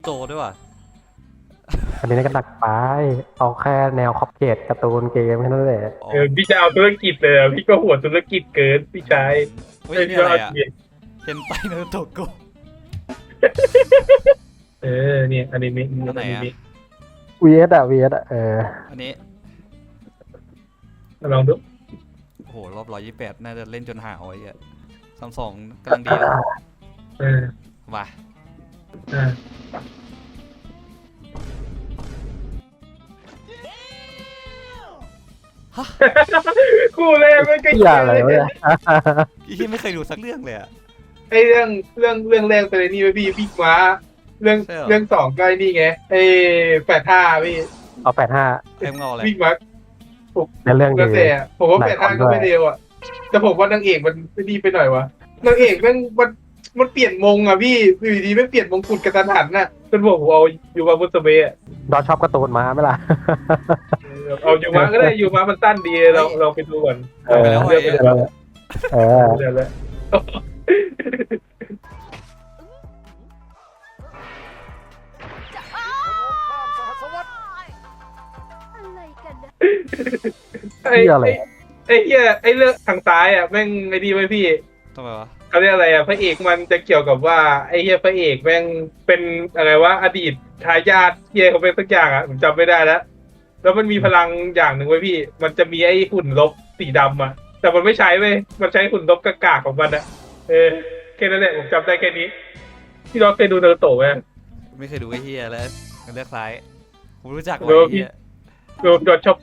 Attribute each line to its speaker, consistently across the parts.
Speaker 1: โตด้วยว่ะ
Speaker 2: อันนี้ก็หนักไปเอาแค่แนวขอบเขตการ์ตูนเกมแค่นั้นแหละ
Speaker 3: พี่จะเอาธุรกิจเลยพี่ก็หัวธุรกิจเกินพี่ชาย
Speaker 1: เฮ้ยนี่อะไรอ่ะเห็นไปนารูโตะโก
Speaker 3: เนี่ยอันนี้
Speaker 1: อันไหนอ่ะ
Speaker 2: VS อ่ะ
Speaker 1: อันนี้
Speaker 3: ลองดู
Speaker 1: โอ้โหรอบ128น่าจะเล่นจนหาวไอ้เหี้ย32กำลังดีแล้วว่ะ
Speaker 3: คู่แรกไม่ก็
Speaker 2: อย่าอะไรวะเนี่ย
Speaker 1: พี่ไม่เคยดูสักเรื่องเลยอ่ะ
Speaker 3: ไอเรื่องแรกไปเลยนี่พี่ม้าเรื่องสองก็ไอ้นี่ไงไอ85พี่
Speaker 2: เอา85
Speaker 1: เอ็มเงาอะไร
Speaker 3: พี่ม้า
Speaker 2: ในเรื่องดี
Speaker 3: ผมว่า85ก็ไม่เร็วอ่ะแต่ผมว่านางเอกมันไม่ดีไปหน่อยวะนางเอกมันเปลี่ยนมงอ่ะพี่อยู่ดีไม่เปลี่ยนมงกุฎกระทันหันน่ะจนผมเอายูมาบุสเบะ
Speaker 2: ดอชอบการ์ตูนมาไหมล่ะ
Speaker 3: เอายูมาก็ได้ยูมามันสั้นดีเราไปดูก่อน
Speaker 1: ไปแล้วไปแล้ว
Speaker 3: ไอ้เรื่องทางซ้ายอ่ะแม่งไอ้ดีไว้พี่
Speaker 1: ทำไมวะ
Speaker 3: เขาเรียกอะไรอ่ะพระเอกมันจะเกี่ยวกับว่าไอ้เหี้ยพระเอกแม่งเป็นอะไรวะอดีตทายาทเหี้ยเขาเป็นสักอย่างอ่ะผมจำไม่ได้แล้วมันมีพลังอย่างหนึ่งไว้พี่มันจะมีไอ้หุ่นลบสีดำอ่ะแต่มันไม่ใช้เว้ยมันใช้หุ่นลบกากาของมันอ่ะแค่นั้นแหละผมจำได้แค่นี้พี่ดอกเคยดูนารูโตะไหม
Speaker 1: ไม่เคยดูไอ้เหี้ยแล้วเลือกซ้ายผมรู้จักไอ้เหี้ย
Speaker 3: โดนชอบ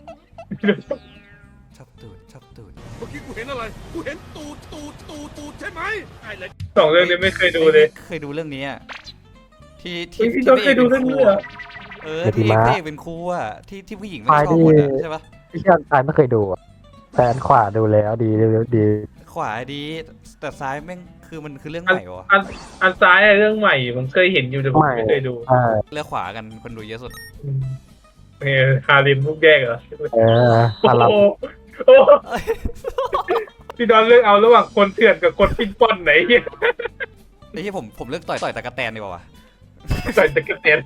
Speaker 1: ตูด
Speaker 4: เมื่อกี้กูเห็นอะไรกูเห็นตูดใช่ไหมไอ้เลย
Speaker 3: สองเรื่องนี้ไม่เคยดูเลย
Speaker 1: เคยดูเรื่องนี้ที่
Speaker 3: พี่ดอกเคยดูเรื่องนี้เหรอ
Speaker 1: ที่เอกเป็นครูอ่ะที่ผู้หญิงไม่ชอบหมดใช่ปะ
Speaker 2: ที่ชอบซ้ายไม่เคยดูแต่อันขวาดูแล้วดี
Speaker 1: ขวาดีแต่ซ้ายแม่งคือมันคือเรื่องใหม่วะ
Speaker 3: อันซ้ายเรื่องใหม่ผมเคยเห็นอยู่แต่ผมไม่เคยดู
Speaker 1: เลือกขวากันคนดูเยอะสุด
Speaker 3: ฮาริมลูกแยกเหรอ
Speaker 2: ฮาริม
Speaker 3: พี่ดอนเลือกเอาระหว่างคนเถื่อนกับคนปิ้นป้อนไหนเฮีย
Speaker 1: ไอ้ที่ผมเลือกต่อยตะกะแตนดีกว่า
Speaker 3: ต่อยตะกะแตน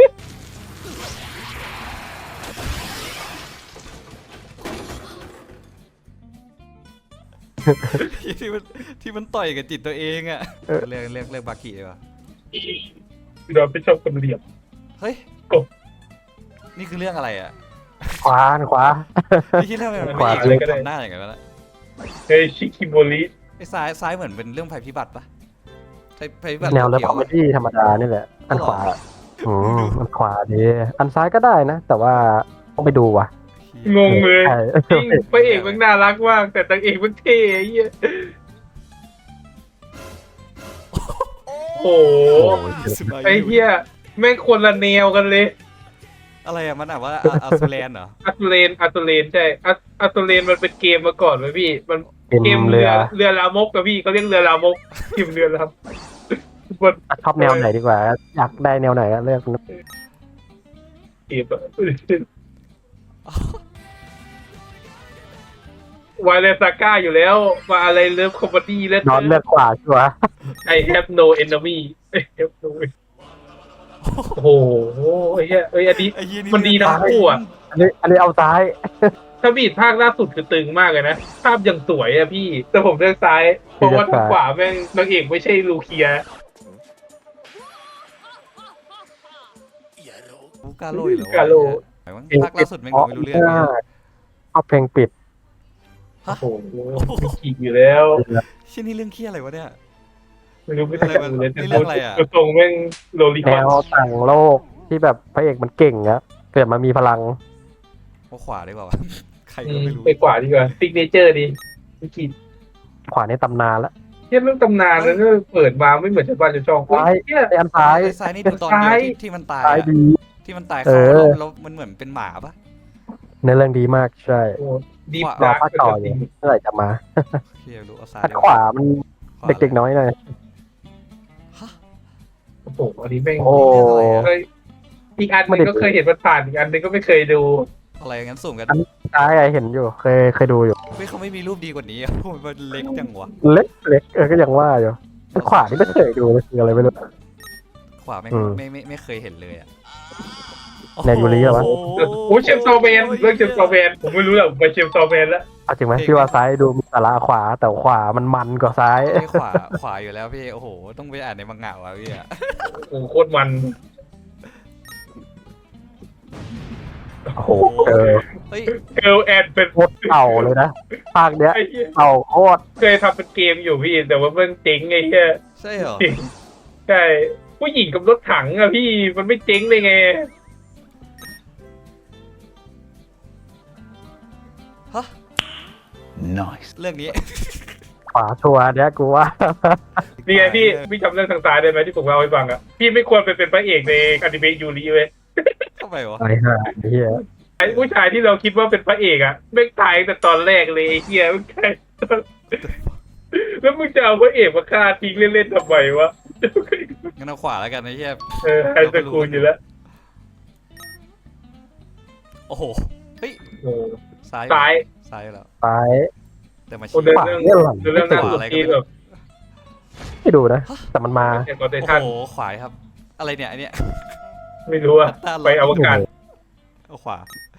Speaker 1: ที่มันต่อยกับจิตตัวเองอ่ะเลือกบากิดีกว่า
Speaker 3: พี่ดอนไม่ชอบคนเหลี่ยม
Speaker 1: เฮ้ยนี่คือเรื่องอะไรอ่ะ
Speaker 2: ขวา
Speaker 1: นี่คิดเรื่องอะไรขวาเลยก็ได้หน้าอย่างเงี้ยแล้ว
Speaker 3: เฮ้ยชิคิโมริ
Speaker 1: ไอ้ซ้ายเหมือนเป็นเรื่องภัยพิบัติปะภัยพิบัติ
Speaker 2: แนวเรื่องคอมเมดี้ธรรมดานี่แหละอันขวาอันขวาดีอันซ้ายก็ได้นะแต่ว่าต้องไปดูว่ะ
Speaker 3: งงเลยจริงพระเอกมันน่ารักมากแต่นางเอกมันเท่ไอ้เหี้ยโอ้ไอ้เหี้ยแม่งคนละแนวกันเลย
Speaker 1: อะไรอะมันว่าอัซูเลนเหรอ
Speaker 3: อัซูเลนใช่อัซูเลนมันเป็นเกมมาก่อนไหมพี่มันเกมเรือลามกกับพี่เขาเรียกเรือลามกทีมเรือลาม
Speaker 2: ชอบแนวไหนดีกว่าอยากได้แนวไหนเลือก
Speaker 3: เกมวายเลซาก้าอยู่แล้วมาอะไรเลิฟคอมเมดี้แล้ว
Speaker 2: นอนเลือกขวาชัวร์
Speaker 3: I have no enemy โอ้โหไอ้เหี้ยอันนี้มันดีทั้งคู่อ่ะ
Speaker 2: อันนี้เอาซ้าย
Speaker 3: ถ้าบีดภาคล่าสุดคือตึงมากเลยนะภาพยังสวยอ่ะพี่แต่ผมเลือกซ้ายเพราะว่าทางขวาแม่งนางเอกไม่ใช่ลูเคีย
Speaker 1: กาโร่เหรอภาคล่าสุดแม่งไม่รู้เรื่อง
Speaker 2: เอาเพลงปิด
Speaker 3: โอ้โหขี่อยู่แล้ว
Speaker 1: ชิ้นนี้เรื่องเคี้ยอะไรวะเนี่ย
Speaker 3: ไม่รู้ไม่ใช่เลยแต่ตรงแม่งโลลิคอน
Speaker 2: แนวต่างโลกที่แบบพระเอกมันเก่งนะเกิดมามีพลัง
Speaker 1: ว่าขวาได้เปล่าใครก็ไม่รู้
Speaker 3: ไปขวาดีกว่าซิกเนเจอร์ดีไม่คิด
Speaker 2: ขวาในตำนานละ
Speaker 3: เทียบเรื่องตำนานแล้วก็เปิดมาไม่เหมือนชาวบ้านชาวช่อง
Speaker 2: ไอ้อันซ้
Speaker 1: ายนี่ดูตอนเดียวที่มันตายที่มันตายเขาแล้วมันเหมือนเป็นหมาปะ
Speaker 2: ในเรื่องดีมากใช่
Speaker 3: ดี
Speaker 2: รอภาคต่ออยู่เมื่อไหร่จะมาอันขวามันเด็กๆน้อยหน่อย
Speaker 3: โอ้โหอันนี้แม่งอีกอันนึงก็เคยเห็นมันผ่านอีกอันนึงก็ไม่เคยดู
Speaker 1: อะไรงั้นสุ่มกัน
Speaker 2: ซ้ายเห็นอยู่เคยดูอยู่
Speaker 1: ไม่เขาไม่มีรูปดีกว่านี้มันเล็กจังวะ
Speaker 2: เล็กก็ยังว่าอยู่ขวานี่ไม่เคยดูเลยคืออะไรไม่รู้
Speaker 1: ขขวาแม่ง
Speaker 2: อืม
Speaker 1: ไม่เคยเห็นเลยอ่ะ
Speaker 2: แนวยูริเหรอวะ
Speaker 3: โอ้ยเชมโซแมนเรื่องเชมโซแมนผมไม่รู้หรอกไปเชมโซแมนแล้ว
Speaker 2: เอาจริงไหมพี่ว่าซ้ายดูมีสาระขวาแต่ขวามันกว่าซ้าย
Speaker 1: ไม่ขวาอยู่แล้วพี่โอ้โหต้องไปอ่านในมังงะว่ะพี่อะ
Speaker 3: โอ้โหโคตรมัน
Speaker 2: โอ้โหเออ
Speaker 1: เฮ้ย
Speaker 3: เกิร์ลแอนเป็น
Speaker 2: โคตรเก่าเลยนะภาคเนี้ย
Speaker 3: ไอ้เหี้ย
Speaker 2: เก่าโคตร
Speaker 3: เคยทำเป็นเกมอยู่พี่แต่ว่ามันเจ๊งไอ้เหี้ย
Speaker 1: ใช่เหรอ
Speaker 3: ใช่ผู้หญิงกับรถถังอะพี่มันไม่เจ๊งได้ไง
Speaker 1: ฮะ
Speaker 4: Nice
Speaker 1: เรื่องนี้
Speaker 2: ขวาชัวร์เนี้ยกูว่า
Speaker 3: นี่ไงพี่จำเรื่องทางซ้ายได้ไหมที่ผมเล่าให้ฟังอะพี่ไม่ควรไปเป็นพระเอกในอนิเมะยูริเว้ย
Speaker 1: ทำไมวะ
Speaker 2: ไอ้ห่าไอ้เหี้ย
Speaker 3: ไอ้ผู้ชายที่เราคิดว่าเป็นพระเอกอะไม่งตายตั้งแต่ตอนแรกเลยไอ้เหี้ยไม่งตายแล้วมึงจะเอาพระเอกมาฆ่าทิ้งเล่นๆทำไมวะ
Speaker 1: งั้นเอาขวาแล้วกันนะเฮีย
Speaker 3: ไฮสคูลอยู่แล้ว
Speaker 1: โอ้โหเฮ้ย
Speaker 3: โอ้
Speaker 1: ซ้าย
Speaker 3: ซ้าย
Speaker 1: ซ้ายแล้ว
Speaker 2: ซ้าย
Speaker 1: แต่มา
Speaker 3: โอ้
Speaker 1: ชี้
Speaker 3: เดิน
Speaker 2: ขวา
Speaker 3: เรื่อง
Speaker 2: เนี่ยหลัง
Speaker 3: เรื่องหน้าสุดที่แบบ
Speaker 2: ไม่ดูนะ แต่มันมา
Speaker 3: แอนกอเต
Speaker 1: โอ้
Speaker 3: ชัน
Speaker 1: โหขวาครับ อะไรเนี่ยอันเนี้ย
Speaker 3: ไม่รู้อะไปอวกาศ
Speaker 1: เอาขวา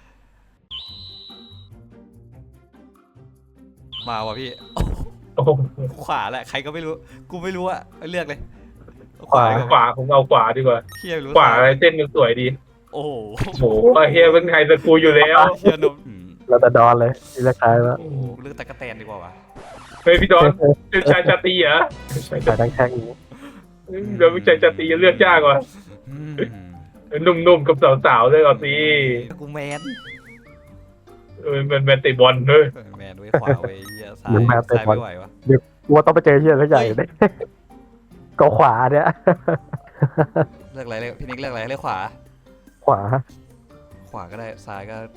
Speaker 1: มาว่ะพี่
Speaker 3: โอ้โห
Speaker 1: ขวาแหละใครก็ไม่รู้ กูไม่รู้อะเลือกเลยเอ
Speaker 2: ขวา
Speaker 1: ดีก
Speaker 3: ขวาผมเอาขวาดีกว่า
Speaker 1: เฮียไม่รู้
Speaker 3: ขวาอะไรเส้นมันสวยดี
Speaker 1: โอ้โห
Speaker 3: โอ้โหเฮียเป็นไฮสคูลอยู่แล้ว
Speaker 1: เฮียนม
Speaker 2: เราจะดอนเลยที่เลือกซ้ายแล้ว
Speaker 1: โอ้โหเลือกตะกะแตนดีกว่าวะ
Speaker 3: เฮ้ยพี่ดอนเป็นชายชาตรีเหรอ
Speaker 2: สายทั้งแข้งนี้
Speaker 3: เดี๋ยวเป็นชายชาตรีจะเลือกยากกว่า
Speaker 1: อืม
Speaker 3: หนุ่มๆกับสาวๆเลยเอาสิ
Speaker 1: กูแมน
Speaker 3: มันแมนติบอลเฮ้ย
Speaker 1: แมนไว้ขวาไว้เฮียซ้ายซ้ายไม่ไหววะ
Speaker 2: กูว่าต้องไปเจอเหี้ยสักใหญ่เลยก็ขวาเนี่ย
Speaker 1: เลือกอะไรเลยพี่นิกเลือกอะไรเลือกขวา
Speaker 2: ขวา
Speaker 1: ขวาก็ได้ซ้ายก็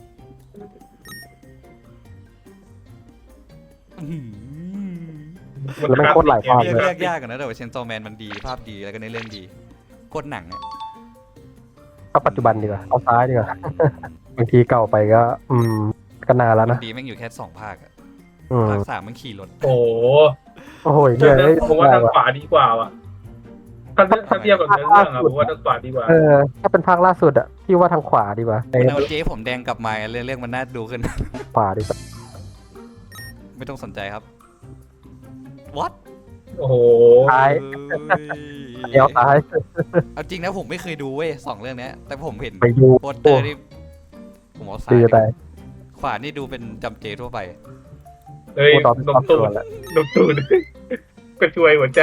Speaker 1: อื้อหือ
Speaker 2: แล้วมันโคตรหลายภาพ
Speaker 1: เลื
Speaker 2: เล
Speaker 1: อย กยากกันนะแต่ว่าเชนโซแมนมันดีภาพดีแล้วก็ในเรื่องดีโคตรหนังอะ
Speaker 2: เอาปัจจุบันดีกว่าเอาซ้ายดีกว่าบางทีเก่าไปก็ ก็นานแล้วนะ
Speaker 1: ดีแม่งอยู่แค่2 ภาคอะ
Speaker 2: อืม
Speaker 1: ภาค3มันขี่รถ
Speaker 3: โอ้โห
Speaker 2: โอ้โหเหี้ย
Speaker 3: ผมว่าทางขวาดีกว่าว่ะถ้าเทียบกับเนื้อเรื่องอะผมว่าทางขวาดีกว่า
Speaker 2: เออถ้าเป็นภาคล่าสุดอะพี่ว่าทางขวาดีกว่าไอ้
Speaker 1: มันเอาเจ๊ผมแดงกลับมาเรื่องมันน่าดูขึ้น
Speaker 2: ขวาดีกว่า
Speaker 1: ไม่ต้องสนใจครับ what
Speaker 3: โอ้โห
Speaker 2: ซ้าย
Speaker 1: เอ้ย
Speaker 2: เดี๋ยวซ้าย
Speaker 1: เอาจริงนะผมไม่เคยดูเว้ย2 เรื่องเนี้ยแต่ผมเห็น
Speaker 2: ไปดู
Speaker 1: โปสเตอร์นี่ผมเอาซ้าย
Speaker 2: ดีแต่
Speaker 1: ขวานี่ดูเป็นจำเจทั่วไป
Speaker 3: เฮ้ย
Speaker 2: กูตอน
Speaker 3: น
Speaker 2: ตอ
Speaker 3: ม
Speaker 2: น
Speaker 3: ตู
Speaker 2: ตัว
Speaker 3: ด
Speaker 2: แหละ
Speaker 3: นมตูดก็ช่วยหัวใจ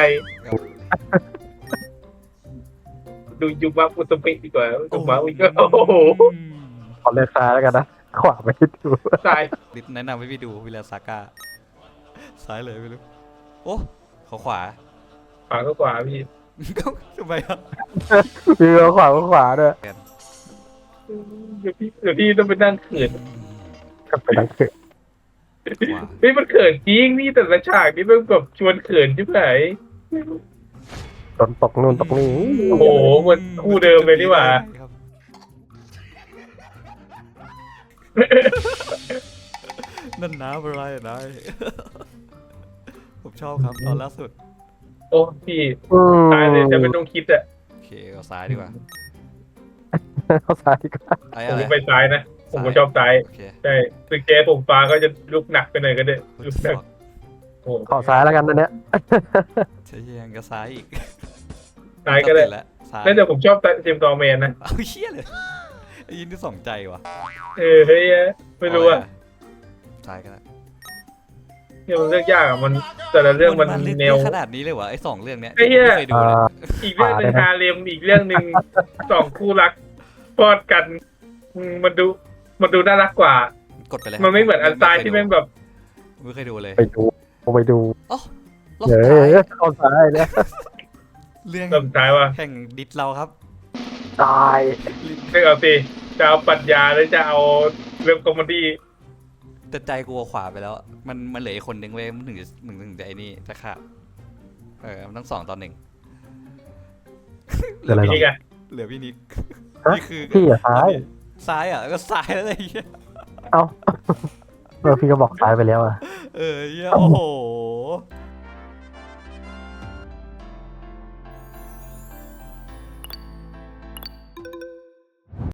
Speaker 3: ดูยุบะอุตเปะดีกว่าอุตมะอุยโอ้โห
Speaker 2: ขอเลือกซ้ายแล้วกันนะขวาไม่ดู
Speaker 3: ตาย
Speaker 1: ลิสต์แนะนำให้พี่ดูวิลาซาก้าซ้ายเลยไม่รู้โอ้เขาขวา
Speaker 3: ขวาก็ขวาพี่
Speaker 1: ทำไมอ่ะ
Speaker 2: มีขวาก็ขวาด้วย
Speaker 3: เดี๋ยวพี่ต้องไปนั่งเขิน
Speaker 2: ก็ไปนั่งเกิด
Speaker 1: ขวา
Speaker 3: เฮ้ยมันเขินจริงนี่แต่ละฉากนี่มันแบบชวนเขินใช่ไหม
Speaker 2: โดนตกนู่นตกนี่
Speaker 3: โอ้โหมันคู่เดิมเลยนี่หว่า
Speaker 1: ครับนั่นน้ำอะไรอะนายผมชอบครับตอนล่าสุด
Speaker 3: โอ้พี่ตายเลยจะไม่ต้องคิดอะ
Speaker 1: โอเคเอาซ้ายดีกว่า
Speaker 2: เข้าซ้ายดีกว่า
Speaker 1: ไอ้
Speaker 3: ผม
Speaker 1: อะไร
Speaker 3: ไปซ้ายนะผมก็ชอบซ้าย
Speaker 1: โอเค
Speaker 3: ใช่ตึกแจ๊ผมฟ้าก็จะลุกหนักไปหน่อยก็ได้ลุกหนักโอ้
Speaker 2: ขอซ้ายแล้วกันนะเนี่ย
Speaker 1: ใช่ยังก็ซ้ายอีก
Speaker 3: ซ้ายก็ได้
Speaker 1: ติแล้วซ้าย
Speaker 3: นั่นแต่ผมชอบเจมส์ดอร์แมนนะ
Speaker 1: เอาเชี่ยเลยไอ้ยินที่สองใจว่ะ
Speaker 3: เฮ้ยไม่รู้อะ
Speaker 1: ซ้ายก็ได้
Speaker 3: เนี่ยมันเลือกยากอะมันแต่ละเรื่องมัน
Speaker 1: ลึก
Speaker 3: แนว
Speaker 1: ขนาดนี้เลยวะไอ้2 เรื่องเนี้ย
Speaker 3: ไอ้เหี้ย
Speaker 1: ไม่เคยดูเลย
Speaker 3: อีกเรื่องหนึ่งฮาเลมอีกเรื่องหนึ่งสองคู่รักพอดกันมันดูน่ารักกว่า
Speaker 1: กดไปเลย
Speaker 3: มันไม่เหมือนอันซ้ายที่แม่งแบบ
Speaker 1: ไม่เคยดูเลย
Speaker 2: ไปดูไปดู
Speaker 1: อ๋อรอบ
Speaker 2: เฮ้
Speaker 1: สุดท้าย
Speaker 2: ยเข้าซ้ายเนี่ย
Speaker 1: เรื่อง
Speaker 3: เริ่มท้ายว่า
Speaker 1: แห่งดิสเราครับ
Speaker 2: ตาย
Speaker 3: เลือกเอาสิจะเอาปรัชญาหรือจะเอาเรื่องคอมเมดี้
Speaker 1: แต่ใจกูเอาขวาไปแล้ว มันเหลืออีกคนนึงเว้ยมันถึงจะไอ้นี่จะขาดมันต้อง2 ต่อ 1
Speaker 2: เดี๋ยวอะไรหรอ
Speaker 3: นี่ไง
Speaker 1: เหลือพี่นิก
Speaker 2: ฮะ
Speaker 1: นี่คือ
Speaker 2: พี่อะซ้าย
Speaker 1: ซ้ายอ่ะก็ซ้ายแล้วไอ้เหี้ย
Speaker 2: เอ้าพี่ก็บอกซ้ายไปแล้วอะ
Speaker 1: เหี้ยโอ้โห